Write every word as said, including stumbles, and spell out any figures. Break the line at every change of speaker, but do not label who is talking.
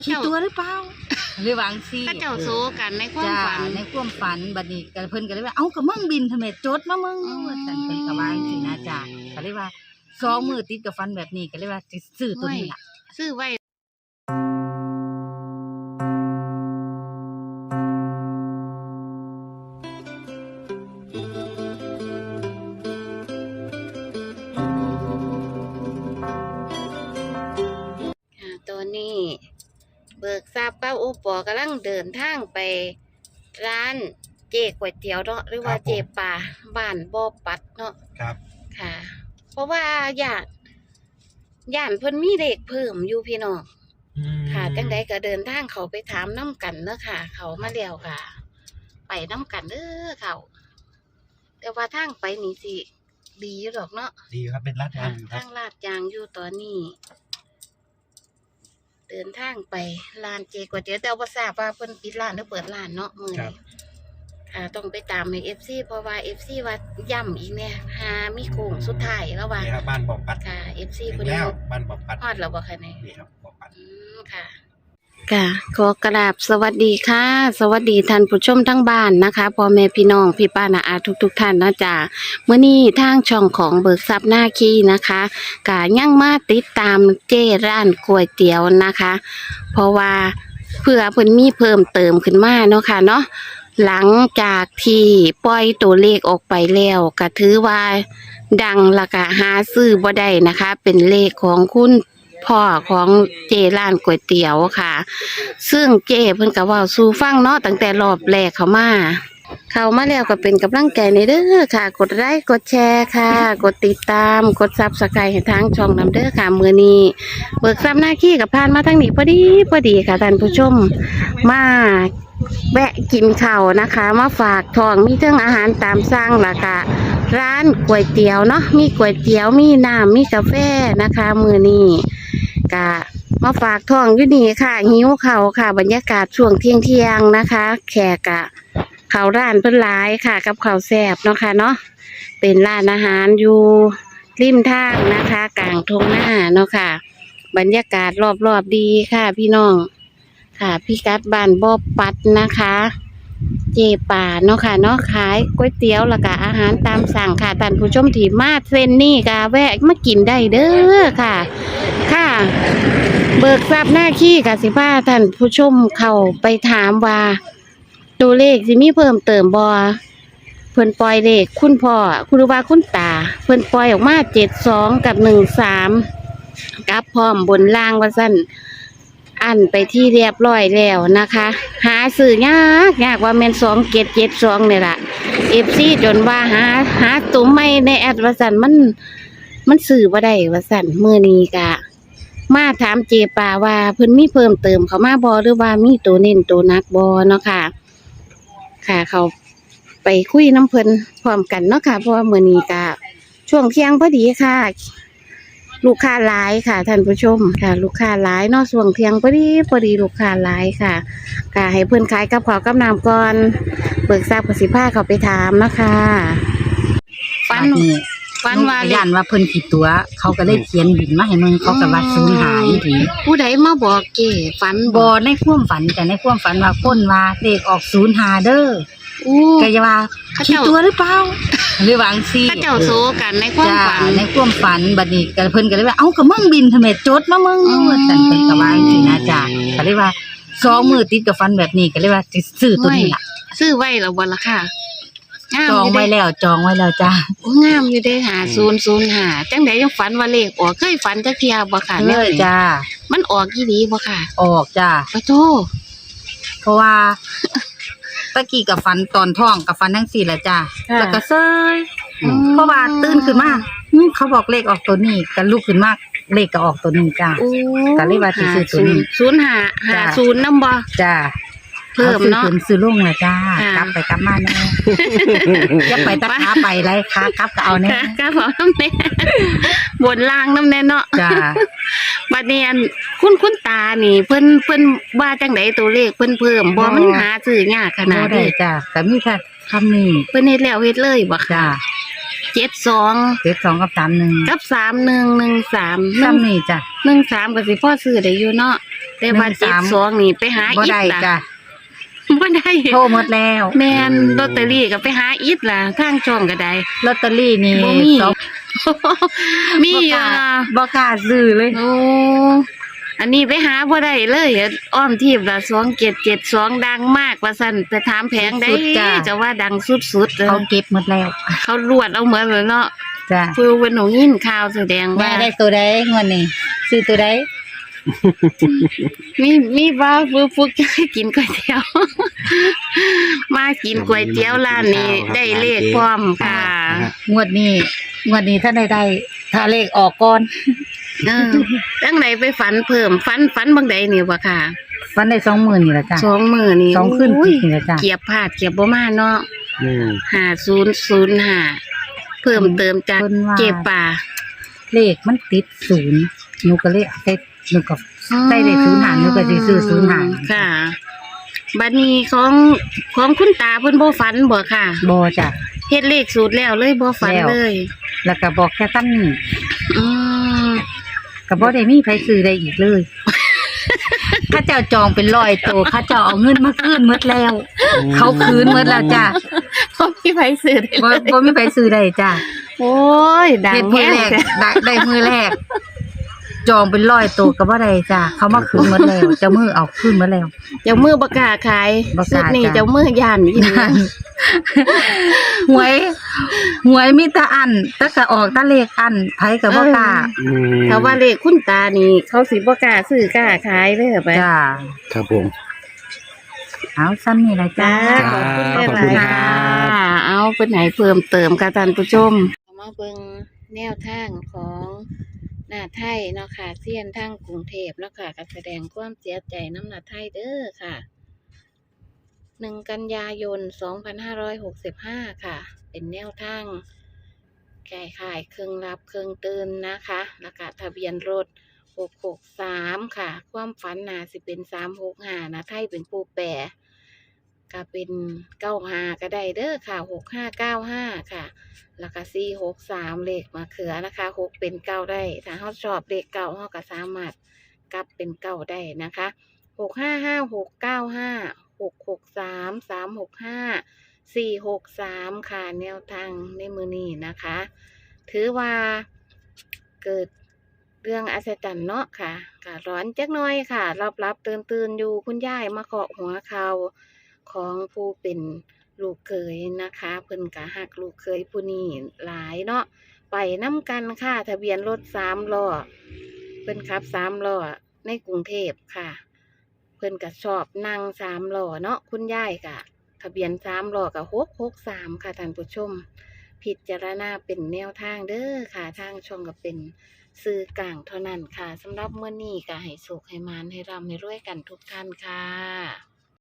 คิดตัวหรือเปล่าหรือวางซี่
ก็เจ้าโซกันในความฝัน
ในความฝันบัดนี้ก็เพิ่นก็เลยว่าเอ้าก็มึงบินทำไมจดมามึงว่าซั่นเพิ่นก็ว่าจังซี่นะจ้ะก็เลยว่าสองมื้อติดกับฝันแบบนี้ก็เลยว่าสิซื้อตัวนี้ล่ะ
ซื้อไว้ตัวนี้เบิกทราบเป้าโอปอกำลังเดินทางไปร้านเจ๊ก๋วยเตี๋ยวเนาะหรือว่าเจ๊ป่าบ้านบ่อปัดเนาะ
ครับ
ค่ะ เพราะว่าญาติญาติเพิ่นมีเลขเพิ่มอยู่พี่น้องค่ะจังใดก็เดินทางเขาไปถามน้ำกันเนาะค่ะเขามาแล้วค่ะ ไปน้ำกันเด้อเขาแต่ว่าทางไปนี่สิดีอยู่ดอกเนาะ
ดีครับเป็นลาดยางอยู่ครับ
ทางลาดยางอยู่ตอนนี้เดินทางไปร้านเจก๋วยเตี๋ยวแต่ว่าทราบว่าเพิ่นปิดร้านหรือเปิดร้านเนาะมื้อนี้ค่ะต้องไปตามใน เอฟ ซี เพราะว่า เอฟ ซี ว่าย่ำอีกเนี่ยหามีโค้งสุดท้ายแล้วว่า
นี่ครับบ้านบอกปัด
ค่ะ เอฟ ซี เพิ่น
แล้วบ้านบอกปัด
ฮอดแล้วบ่คะเนี่ย
นี่ครับบอกปัด
อืมค่ะค่ะขอกราบสวัสดีค่ะสวัสดีท่านผู้ชมทั้งบ้านนะคะพ่อแม่พี่น้องพี่ป้าน้าอาทุกๆท่านนะจ๊ะเมื่อนี้ทางช่องของเบิกทรัพย์หน้าคีนะคะกะยังมาติดตามเจ้ร้านก๋วยเตี๋ยวนะคะ เพราะว่าเพื่อเพิ่นมีเพิ่มเติมขึ้นมาเนาะค่ะเนาะหลังจากที่ปล่อยตัวเลขออกไปแล้วก็ถือว่าดังและก็หาซื้อบ่ได้นะคะเป็นเลขของคุณพ่อของเจร้านก๋วยเตี๋ยวค่ะซึ่งเจเพิ่นก็เว้าสู่ฟังเนาะตั้งแต่รอบแรกเข้ามาเข้ามาแล้วก็เป็นกำลังใจในเด้อค่ะกดไลค์กดแชร์ค่ะกดติดตามกด ซับสไครบ์ ให้ทางช่องนำเด้อค่ะมื้อนี้เบิกทรัพย์หน้าขี้กับผ่านมาทางนี้พอดีพอดีค่ะท่านผู้ชมมาแวะกินข้าวนะคะมาฝากท้องมีเรื่องอาหารตามสั่งล่ะค่ะร้านก๋วยเตี๋ยวเนาะมีก๋วยเตี๋ยวมีน้ำมีกาแฟนะคะมื้อนี้กะมาฝากท้องอยู่นี่ค่ะหิวข้าวค่ะบรรยากาศช่วงเที่ยงเที่ยงนะคะแขกกะข้าวร้านเพิ่นหลายค่ะกับข้าวแซ่บเนาะค่ะเนาะเป็นร้านอาหารอยู่ริมทางนะคะกลางทุ่งนาเนาะค่ะบรรยากาศรอบๆดีค่ะพี่น้องค่ะพี่กัดบ้านบ่อปัดนะคะเจป่าเนาะค่ะเนาะขายก๋วยเตี๋ยวแล้วก็อาหารตามสั่งค่ะท่านผู้ชมที่มาเส้นนี่ก็แวะมากินได้เด้อค่ะค่ะเบิกทรัพย์หน้าขี้กับสิบ้าท่านผู้ชมเข้าไปถามว่าตัวเลขสิมีเพิ่มเติมบ่เพิ่นปล่อยเลขคุณพ่อคุณว่าคุณตาเพิ่นปล่อยออกมาเจ็ดสองกับหนึ่งสามกับพร้อมบนล่างว่าซั่นอันไปที่เรียบร้อยแล้วนะคะหาซื้อยากยากว่าแม่นสองเจ็ดเจ็ดสองเนี่ยล่ะเอฟซีจนว่าหาหาตุ้มไม่ในแอดว่าซั่นมันมันซื้อบ่ได้ว่าซั่นมื้อนี้กะมาถามเจป่าว่าเพิ่นมีเพิ่มเติมเข้ามาบ่หรือว่ามีตัวเน้นตัวนักบ่เนาะค่ะค่ะเขาไปคุยน้ำเพิ่นพร้อมกันเนาะค่ะเพราะว่ามื้อนี้กะช่วงเที่ยงพอดีค่ะลูกค้าหลายค่ะท่านผู้ชมค่ะลูกค้าหลายเนาะช่วงเที่ยงพอดีพอดีลูกค้าหลายค่ะค่ะให้เพิ่นขายกับข้าวกับน้ำก่อนเบิกทราบกับสิพาเขาไปถามนะคะฟันฟันว่าย่านว่าเพิ่นผิดตัวเขาก็เลยเขียนบินมาให้มึงเขาก็ว่าสูญหายทีผู้ใดมาบอกเก๋ฝันบ่ในความฝันแต่ในความฝันว่าคนว่าเลขออกศูนย์หาเด้ออู้ก็จะว่าคิดตัวหรือเปล่าหรือวางซี่ก็เจ้าโซกันในความฝันในความฝันบัดนี้ก็เพิ่นก็เลยว่าเอ้าก็มึงบินทำไมจดมามึงว่าซั่นเพิ่นก็ว่าจังซี่นะจ้ะก็เลยว่าสองมื้อติดกับฝันแบบนี้ก็เลยว่าสิซื้อตัวนี้ล่ะซื้อไว้แล้วบ่ล่ะค่ะจองไว้แล้วจองไว้แล้วจ้ะโอ้งามอยู่เด้หาศูนย์ศูนย์ห้าจังได๋ยังฝันว่าเลขออกเคยฝันจักเที่ยบ่ค่ะแม่จ้ามันออกอีหลีบ่ค่ะออกจ้ะปะโธเพราะว่าตะกี้กับฟันตอนท้องกับฟันทั้งสี่แหละจ้าแล้วก็เซยเพราะว่าตื่นขึ้นมาเขาบอกเลขออกตัวนี้กันลุกขึ้นมาเลขก็ออกตัวนี้จ้าก็เลยว่าสิซื้อตัวนี้ศูนย์ห้าห้าศูนย์นำบ่จ้าเพิ่มเนาะซื้อลงน่ะจ้ากลับไปกลับมาแน่อย่าไปตะขาไปไรขากลับก็เอาแน่กลับเอานำแน่บนล่างนำแน่เนาะจ้าบัดนี้อันคุณคุณตานี่เพิ่นเพิ่นว่าจังได๋ตัวเลขเพิ่นเพิ่มบ่มันหาซื้อยากขนาดนี้จ้าก็มีแค่คำนี้เพิ่นเฮ็ดแล้วเฮ็ดเลยบ่ค่ะเจ็ดสอง เจ็ดสองกับสามหนึ่งกับสามหนึ่ง หนึ่งสามซ้ำนี่จ้ะหนึ่งสามก็สิพอซื้อได้อยู่เนาะแต่ว่า
หนึ่ง
เจ็ด
สาม
สองนี่ไปหา
บ่
อิฐ
ได้
ล่ะ
จ้ะ
บ่ได้
โทรหมดแล้ว
แม่นลอตเตอรี่ก็ไปหาอิฐล่ะทางช่องก็ได้
ลอตเตอรี่นี่
บ่มี
สอง
มี
บ่
อก ยู่
ล้า
ล่ะ
บ่กล้าซื้อเลย
โอ้อันนี้ไปหาบ่ได้เลยอ้อมทีบละสองเจ็ดเจ็ดสองดังมากว่าซั่นไปถามแผงได้
สุดๆจ้ะ
จะว่าดังสุดๆเลย
เขาเก็บหมดแล้ว
เขารวดเอาเหมือนเลยเนาะ
จ้ะ
คือวันหนูยินข่าวแสดง
แม่
ว่า
ได้ตัวใดงวดนี้ซื้อตัวใด
มีมีว่าฟูฟุกจะให้กินก๋วยเตี๋ยว มากินก๋วยเตี๋ยวร้านนี้ได้เลขพร้อมค่ะ
งวดนี้งวดนี้ถ้าได้ได้ถ้าเลขออกก่อน
เออตั้งไหนไปฝันเพิ่มฝันฝันบางใดนี่บ่ค่ะ
ฟันได้สองหมื่นนี่แหละจ้ะ
สองมื้อนี่
สองขึ้น
โอ้ย
นี่แหละจ้ะ
เกียบพลาดเกียบบ่มาเนาะ
อืม
ห้าศูนย์ศูนย์ห้าเพิ่มเติมจาก
เพิ่นว่า
เก็บป่า
เลขมันติดศูนย์หนูก็เลยเอาไปหนูก็ได้เลขศูนย์หารหนูก็สิซื้อศูนย์หาร
ค่ะบัดนี้ของของคุณตาเพิ่นบ่ฝันบ่ค่ะ
บ่จ้ะ
เฮ็ดเลขสูตรแล้วเลยบ่ฝัน
แล้ว
เลย
แล้วก็บอกแค่ตั้นนี่
อืม
ก็บ่ได้มีไผซื้อได้อีกเลย ข้าเจ้าจองเป็นร้อยโตข้าเจ้าเอาเงินมาคืนหมดแล้ว เขาคืนหมดแล้วจ้ะ
บ่มีไผซื้อได้
บ่
เลย
บ่มีไผซื้อได้จ้ะ
โอ้ยดัง
เฮ็ดมื
แฮ
อแรก
ง
ได้ได้มือแรก จองเป็นร้อยโตก็บ่ได้จ้ะเขามาคืนหมดแล้วเจ้ามือเอาคืนหมดแล้ว
เจ้ามือบ่กล้าขาย
บ่ก
สุ
ล้า
ดนี่
จ้ะ
เจ้ามือย่านอีหลี
หวยหวยมีแต่อันแต่ก็ออกแต่เลขอันไผก็บ่กล้า
อืม
ถ้าว่าเลขคุณตานี่ เขาสิบ่กล้าซื้อกล้าขายเด้อไป
จ้า
ครับผม
เอาซ้ำนี่ละจ้า
จ้า
ขอบคุณ
หลาย
ครั
ๆ
บ
ค่ะเอาเพิ่นให้เพิ่มเติมค่ะท่านผู้ชมมาเบิ่งแนวทางของหน้าไทยเนาะค่ะเซียนทางกรุงเทพเนาะค่ะก็แสดงความเสียใจน้ำหน้าไทยเด้อค่ะหนึ่งกันยายนสองพันห้าร้อยหกสิบห้าค่ะ เป็นแนวทางแก่ขายเครื่องรับเครื่องตื่นนะคะแล้วก็ทะเบียนรถหกหกสามค่ะ ความฝันน่าสิเป็นสามหกห้านะไทยเป็นผู้แปรก็เป็นเก้าห้าก็ได้เด้อค่ะหกห้าเก้าห้าค่ะ แล้วก็สี่หกสามเลขมาเขือนะคะหกเป็นเก้าได้ถ้าเขาชอบเลขเก้าเขาก็สามารถกลับเป็นเก้าได้นะคะหกห้าห้าหกเก้าห้าหกหกสามสามหกห้าสี่หกสามค่ะแนวทางในมือนี้นะคะ ถือว่าเกิดเรื่องอัศจรรย์เนาะค่ะก็ร้อนจักหน่อยค่ะรับรับตื่นตื่นๆอยู่คุณยายมาเคาะหัวเขาของผู้เป็นลูกเคยนะคะเพิ่นกะหักลูกเคยผู้นี้หลายเนาะไปน้ำกันค่ะทะเบียนรถสามล้อเพิ่นขับสามล้อในกรุงเทพค่ะ เพิ่นก็ชอบนั่งสามล้อเนาะคุณยายกะทะเบียนสามล้อกับหกหกสามค่ะท่านผู้ชม พิจารณาเป็นแนวทางเด้อค่ะทางช่องก็เป็นสื่อกลางเท่านั้นค่ะสำหรับเมื่อนี้ก็ให้สุขให้มานให้ร่ำให้รวยกันทุกท่านค่ะ